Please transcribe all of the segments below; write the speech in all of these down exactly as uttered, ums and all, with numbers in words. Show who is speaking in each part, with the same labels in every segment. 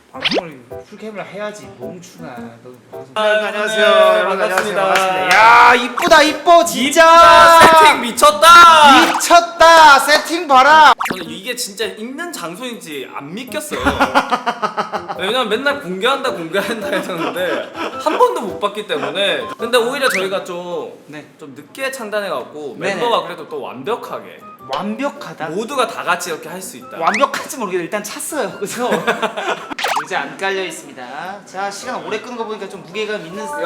Speaker 1: 방송을 풀캠을 해야지 멍충아. 너 방송.
Speaker 2: 아, 안녕하세요. 여러분
Speaker 1: 반갑습니다.
Speaker 2: 반갑습니다.
Speaker 1: 야 이쁘다 이뻐 진짜.
Speaker 2: 세팅 미쳤다.
Speaker 1: 미쳤다. 세팅 봐라.
Speaker 2: 저는 이게 진짜 있는 장소인지 안 믿겼어요. 왜냐면 맨날 공개한다 공개한다 했었는데 한 번도 못 봤기 때문에. 근데 오히려 저희가 좀,
Speaker 1: 네.
Speaker 2: 좀 늦게 창단해갖고
Speaker 1: 네네.
Speaker 2: 멤버가 그래도 또 완벽하게
Speaker 1: 완벽하다.
Speaker 2: 모두가 다 같이 이렇게 할 수 있다.
Speaker 1: 완벽할지 모르겠는데 일단 찼어요. 그래서 이제 안 깔려 있습니다. 자 시간 오래 끄는 거 보니까 좀 무게감 있는.
Speaker 2: 야,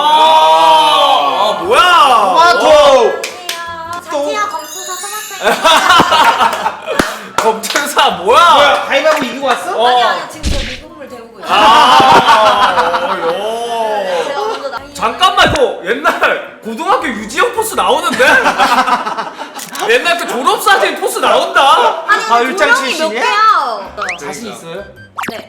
Speaker 2: 아, 뭐야?
Speaker 1: 토마토.
Speaker 3: 자티야 검투사 토마토.
Speaker 2: 검증사 뭐야?
Speaker 1: 뭐야 가위바위보 이기고 왔어?
Speaker 2: 어.
Speaker 3: 아니 아니 지금 저 미국물 데우고 있어요.
Speaker 2: 아, 요.
Speaker 3: 제가 먼저 나.
Speaker 2: 잠깐만 이거 옛날 고등학교 유지영 포스 나오는데? 옛날 그 졸업사진 포스 나온다?
Speaker 3: 아니
Speaker 1: 아,
Speaker 3: 근데
Speaker 1: 율장
Speaker 3: 조명이 몇
Speaker 1: 출신이야?
Speaker 3: 개야?
Speaker 1: 자신 있어요?
Speaker 3: 네.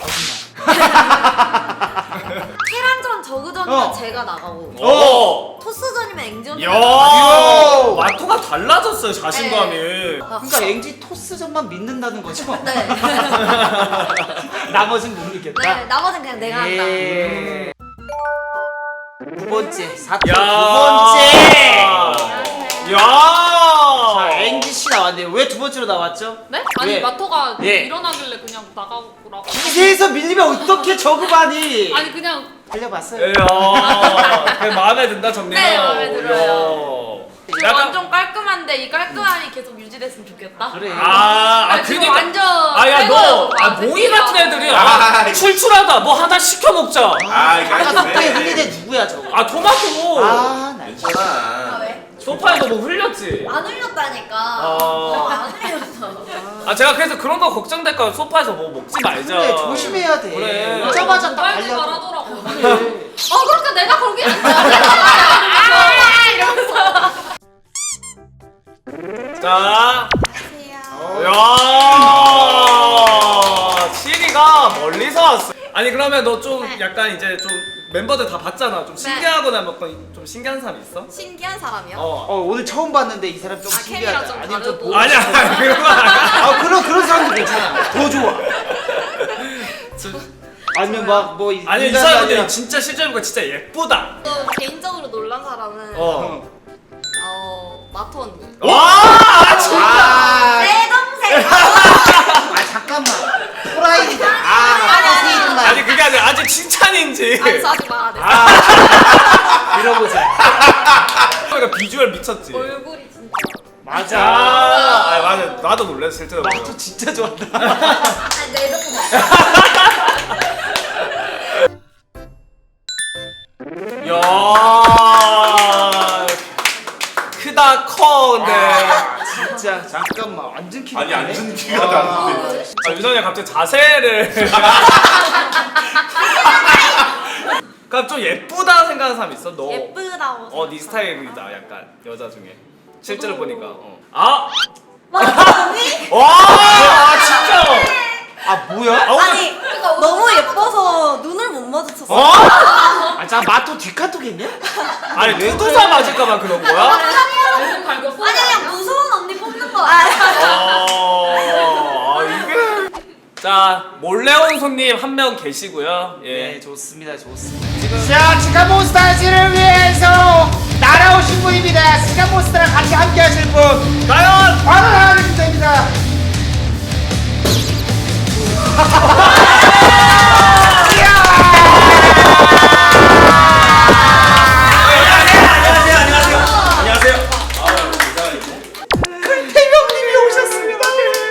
Speaker 3: 테란전 저그전이면
Speaker 1: 어.
Speaker 3: 제가 나가고
Speaker 2: 어.
Speaker 3: 토스전이면 앵전이.
Speaker 2: 야.
Speaker 1: 요.
Speaker 2: 마토가 달라졌어요 자신감이.
Speaker 1: 그러니까 앵지 토스전만 믿는다는 거죠?
Speaker 3: 네.
Speaker 1: 나머진 못 믿겠다.
Speaker 3: 네. 나머지는 그냥 내가 한다.
Speaker 1: 예. 두 번째 사태
Speaker 2: 야.
Speaker 1: 두 번째.
Speaker 2: 야.
Speaker 1: 자 앵지 씨 나왔네요. 왜 두 번째로 나왔죠?
Speaker 4: 네? 아니
Speaker 1: 왜?
Speaker 4: 마토가
Speaker 1: 예.
Speaker 4: 일어나길래 그냥 나가라고.
Speaker 1: 기세에서 밀리면 어떻게 저그반이?
Speaker 4: 아니 그냥
Speaker 1: 달려봤어요.
Speaker 2: 야. 그 마음에 든다 정리가.
Speaker 4: 네, 마음에 들어요. 지금
Speaker 2: 약간-
Speaker 4: 완전 깔끔한데 이 깔끔함이 계속 유지됐으면 좋겠다.
Speaker 1: 그래.
Speaker 2: 아, 아
Speaker 4: 아니, 지금
Speaker 2: 그니까.
Speaker 4: 완전
Speaker 2: 아야 너,
Speaker 4: 새거여서
Speaker 2: 아
Speaker 4: 막
Speaker 2: 모이 같은 애들이 아,
Speaker 5: 아,
Speaker 2: 출출하다. 뭐 하나 시켜 먹자.
Speaker 5: 아 이거
Speaker 1: 아까
Speaker 5: 아니네.
Speaker 1: 속도에 흘리대 누구야 저거?
Speaker 2: 아 토마토.
Speaker 1: 아, 나 이거.
Speaker 3: 아
Speaker 5: 괜찮아.
Speaker 3: 왜?
Speaker 2: 소파에서 뭐 흘렸지.
Speaker 3: 안 흘렸다니까.
Speaker 2: 아.
Speaker 3: 어, 안 흘렸어.
Speaker 2: 아 제가 그래서 그런 거 걱정될까 소파에서 뭐 먹지 말자.
Speaker 1: 그래 조심해야 돼.
Speaker 2: 그래.
Speaker 1: 오자마자 딱
Speaker 4: 빨리
Speaker 1: 달려.
Speaker 4: 말하더라고.
Speaker 1: 그래.
Speaker 4: 어 그러니까 내가 거기 앉아. 이러면서.
Speaker 2: 자,
Speaker 3: 안녕하세요.
Speaker 2: 야, 시리가 멀리서 왔어. 아니 그러면 너 좀
Speaker 3: 네.
Speaker 2: 약간 이제 좀 멤버들 다 봤잖아. 좀 신기하거나 뭐 좀 신기한 사람 있어?
Speaker 3: 신기한 사람이요?
Speaker 2: 어.
Speaker 1: 어 오늘 처음 봤는데 이 사람 좀
Speaker 4: 아,
Speaker 1: 신기하다.
Speaker 4: 캠이랑 좀
Speaker 1: 아니면 좀
Speaker 4: 다르고.
Speaker 1: 보고
Speaker 2: 아니야,
Speaker 1: 싶어.
Speaker 2: 아니, 그런 거 아니야.
Speaker 1: 아 그런 그런 사람도 괜찮아. 더 좋아. 아니면 막뭐
Speaker 2: 아니 이 사람들 진짜 실제로 보니까 진짜 예쁘다.
Speaker 3: 또 개인적으로 놀란 사람은 어,
Speaker 2: 어.
Speaker 3: 마토 언니.
Speaker 2: 와, 진짜.
Speaker 1: 아,
Speaker 3: 내 동생.
Speaker 1: 아 잠깐만. 프라이드다. 아
Speaker 3: 아니, 아니,
Speaker 1: 아니
Speaker 2: 아니 그게 아니라 아직 칭찬인지.
Speaker 3: 아니 저 아직 말 안 했어.
Speaker 2: 아,
Speaker 1: 들어보자.
Speaker 2: 그러니까 비주얼 미쳤지.
Speaker 3: 얼굴이 진짜.
Speaker 1: 맞아.
Speaker 2: 아, 아 맞아. 나도 놀랐어 실제로.
Speaker 1: 마토 진짜 좋아한다.
Speaker 3: 아니 내 동생.
Speaker 2: 야, 크다 커 근데.
Speaker 1: 진짜 잠깐만 완전 키.
Speaker 5: 아니 앉은 키가 다른데.
Speaker 2: 아, 유선이 갑자기 자세를. 그럼 좀 예쁘다 생각하는 사람 있어? 너.
Speaker 3: 예쁘다고.
Speaker 2: 어, 네 스타일이다 약간 여자 중에. 실제로 보니까. 어. 아,
Speaker 3: 마토 언니?
Speaker 2: 와, 아, 진짜.
Speaker 1: 아 뭐야?
Speaker 2: 아, 오늘-
Speaker 3: 아니 너무 예뻐서 눈을 못 마주쳤어.
Speaker 2: 어?
Speaker 1: 아자 마토 뒷카톡 했냐?
Speaker 2: 아니 투두사 맞을까봐 그런 거야?
Speaker 4: 완전 갈겼어.
Speaker 3: 아니 그냥 무서운 언니 뽑는 거야.
Speaker 2: 아, 이게. 자, 몰래 온 손님 한 명 계시고요. 예.
Speaker 1: 네 좋습니다 좋습니다. 자 치카몬스타즈를 위해서 날아오신 분입니다. 치카몬스타랑 같이 함께하실 분
Speaker 2: 과연
Speaker 1: 바로 나와주시면 됩니다.
Speaker 2: 안녕하세요.
Speaker 1: 태명님이 오셨습니다.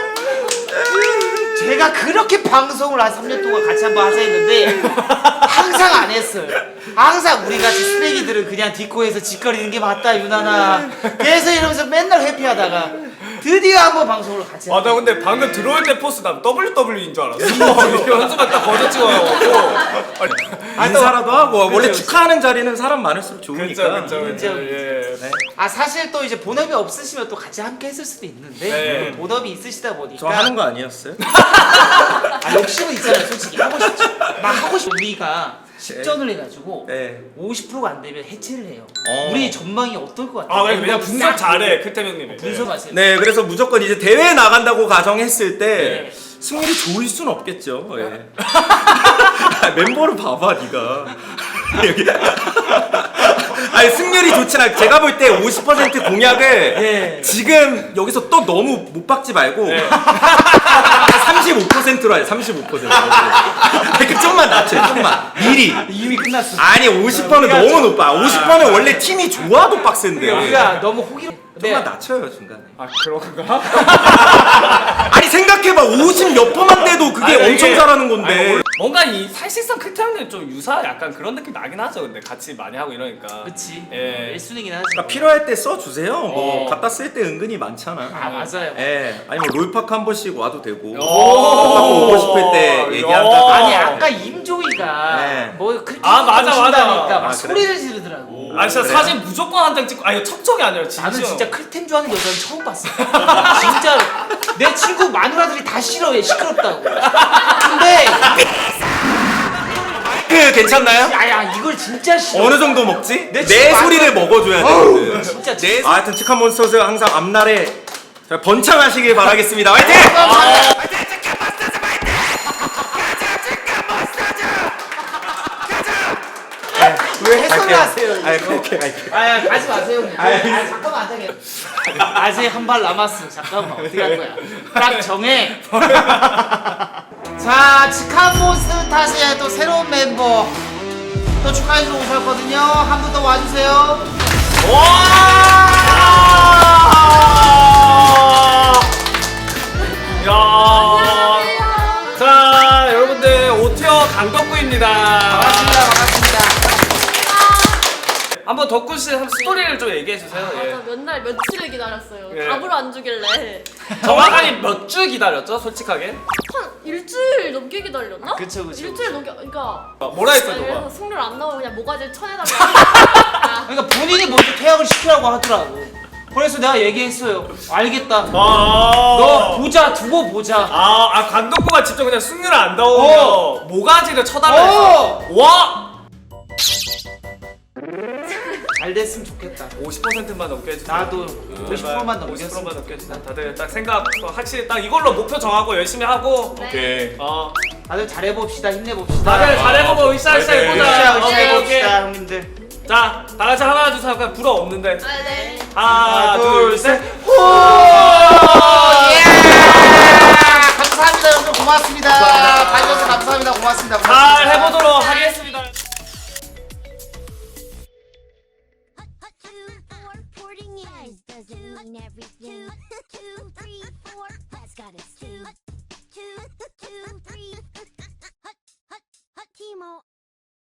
Speaker 1: 제가 그렇게 방송을 한 삼 년 동안 같이 한번 하자 했는데 항상 안 했어요. 항상 우리 같이 쓰레기들은 그냥 디코에서 짓거리는 게 맞다 유나나. 그래서 이러면서 맨날 회피하다가 드디어 한번 방송을 같이
Speaker 2: 아, 나
Speaker 1: 하자.
Speaker 2: 근데 방금 들어올 때 포스 난 더블유더블유이인 줄 알았어. 현수가 딱 거저 찍어가지고.
Speaker 5: 인사라도 하고 원래
Speaker 1: 그쵸,
Speaker 5: 축하하는 자리는 사람 많을수록
Speaker 2: 그쵸,
Speaker 5: 좋으니까.
Speaker 2: 그쵸, 그쵸. 예.
Speaker 1: 아 사실 또 이제 본업이 없으시면 또 같이 함께 했을 수도 있는데
Speaker 2: 네.
Speaker 1: 또 본업이 있으시다 보니까
Speaker 5: 저 하는 거 아니었어요?
Speaker 1: 아 욕심은 있잖아요 솔직히 하고 싶죠. 막 하고 싶 우리가 식전을 해가지고
Speaker 5: 네.
Speaker 1: 오십 퍼센트가 안 되면 해체를 해요.
Speaker 5: 어.
Speaker 1: 우리 전망이 어떨 것 같아요?
Speaker 2: 아 왜냐면 분석 잘해 클템 형님이.
Speaker 1: 분석하세요.
Speaker 5: 네, 그래서 무조건 이제 대회 나간다고 가정했을 때
Speaker 1: 네.
Speaker 5: 승률이 좋을 순 없겠죠. 예. 멤버를 봐봐, 네가. 여기. 아니 승률이 좋진 않. 제가 볼 때 오십 퍼센트 공약을
Speaker 1: 네.
Speaker 5: 지금 여기서 또 너무 못 박지 말고
Speaker 2: 네.
Speaker 5: 삼십오 퍼센트로 해. 삼십오 퍼센트. 그러니까 좀만 낮춰, 좀만. 미리.
Speaker 1: 이미 끝났어.
Speaker 5: 아니 오십 퍼센트는 너무 높아. 오십 퍼센트는 원래 팀이 좋아도 빡센데.
Speaker 1: 우리가 너무 호기로.
Speaker 5: 좀만 낮춰요 중간에.
Speaker 2: 아 그런가?
Speaker 5: 아니 생각해봐 오십 몇 퍼만 돼도 그게
Speaker 2: 아니,
Speaker 5: 엄청
Speaker 2: 이게-
Speaker 5: 잘하는 건데.
Speaker 2: 아니, 뭔가 이 사실상 클템 형님 좀 유사 약간 그런 느낌 나긴 하죠. 근데 같이 많이 하고 이러니까.
Speaker 1: 그렇지.
Speaker 2: 예.
Speaker 1: 일 순위긴 하지.
Speaker 5: 그러니까 필요할 때 써주세요. 뭐
Speaker 2: 어.
Speaker 5: 갖다 쓸 때 은근히 많잖아.
Speaker 1: 아 맞아요.
Speaker 5: 예, 아니 뭐 롤팍 한 번씩 와도 되고.
Speaker 2: 오.
Speaker 5: 롤팍 오고 싶을 때 얘기한다.
Speaker 2: 야.
Speaker 1: 아니 아까 임종이가
Speaker 5: 네.
Speaker 1: 뭐 그렇게
Speaker 2: 아, 맞아, 맞아.
Speaker 1: 오신다니까 막
Speaker 5: 아, 그래?
Speaker 1: 소리를 지르더라고.
Speaker 2: 아 진짜
Speaker 5: 그래요?
Speaker 2: 사진 무조건 한 장 찍고. 아 이거 척척이 아니라 진짜.
Speaker 1: 나는 진짜 클템 좋아하는 여자는 처음 봤어. 진짜로. 내 친구 마누라들이 다 싫어해. 시끄럽다고. 근데
Speaker 5: 그 괜찮나요?
Speaker 1: 야야 이걸 진짜 싫어.
Speaker 5: 어느 정도 먹지?
Speaker 1: 내
Speaker 5: 내,
Speaker 1: 친구
Speaker 5: 소리를 먹어줘야 돼.
Speaker 1: 진짜
Speaker 5: 내 소... 아, 하여튼 치카 몬스터즈 항상 앞날에 잘 번창하시길 바라겠습니다. 화이팅!
Speaker 1: 아, 왜 해설을 하세요?
Speaker 5: 아, 그렇게 갈게요.
Speaker 1: 아 가지 마세요. 형님. 아 잠깐만 안 되게. 아직 한 발 남았어. 잠깐만 어떻게 할 거야? 딱 정해. 자 치카몬스터 탓에 또 새로운 멤버 또 축하해주러 오셨거든요. 한 분 더 와주세요.
Speaker 2: 야. 자 여러분들 오티어 강덕구입니다.
Speaker 1: 반갑습니다. 반갑습니다.
Speaker 2: 한번 덕구 씨 한번 스토리를 좀 얘기해 주세요. 예.
Speaker 4: 맞아 맨날 며칠을 기다렸어요.
Speaker 2: 예.
Speaker 4: 답을 안 주길래
Speaker 2: 정확하게 몇 주 기다렸죠? 솔직하게.
Speaker 4: 한 일주일 넘게 기다렸나?
Speaker 1: 그쵸, 그쵸,
Speaker 4: 일주일 넘게 그러니까
Speaker 2: 어, 뭐라 했어
Speaker 4: 아니,
Speaker 2: 너가?
Speaker 4: 그래서 승률 안 나오면 그냥 모가지를 쳐내달라고.
Speaker 1: 그러니까 본인이 먼저 퇴학을 시키라고 하더라고. 그래서 내가 얘기했어요. 알겠다.
Speaker 2: 아.
Speaker 1: 너 보자 두고 보자.
Speaker 2: 아, 아 강덕구가 직접 그냥 승률 안 나오면
Speaker 1: 어.
Speaker 2: 모가지를 쳐달라 했어.
Speaker 1: 어.
Speaker 2: 와!
Speaker 1: 잘 됐으면 좋겠다.
Speaker 2: 오십 퍼센트만 넘게 해주세요.
Speaker 1: 나도 오십 퍼센트만
Speaker 2: 오십
Speaker 1: 넘겼으면
Speaker 2: 퍼센트만 넘게 해주세요. 다들 딱 생각 확실히 딱 이걸로 목표 정하고 열심히 하고.
Speaker 4: 네.
Speaker 2: 어.
Speaker 1: 다들 잘해봅시다. 힘내봅시다.
Speaker 2: 다들 잘해보고 으쌰으쌰
Speaker 5: 네.
Speaker 2: 해보자.
Speaker 1: 으쌰 으쌰
Speaker 2: 오케이, 오케이.
Speaker 1: 해봅시다 형님들.
Speaker 2: 자, 다 같이 하나 둘 셋 하면 불어 없는데.
Speaker 4: 아, 네.
Speaker 2: 하나, 둘, 셋.
Speaker 1: 호! 예! 감사합니다 여러분 고맙습니다. 봐주셔서 감사합니다 고맙습니다.
Speaker 2: 잘
Speaker 1: 고맙습니다.
Speaker 2: 해보도록 하겠습니다.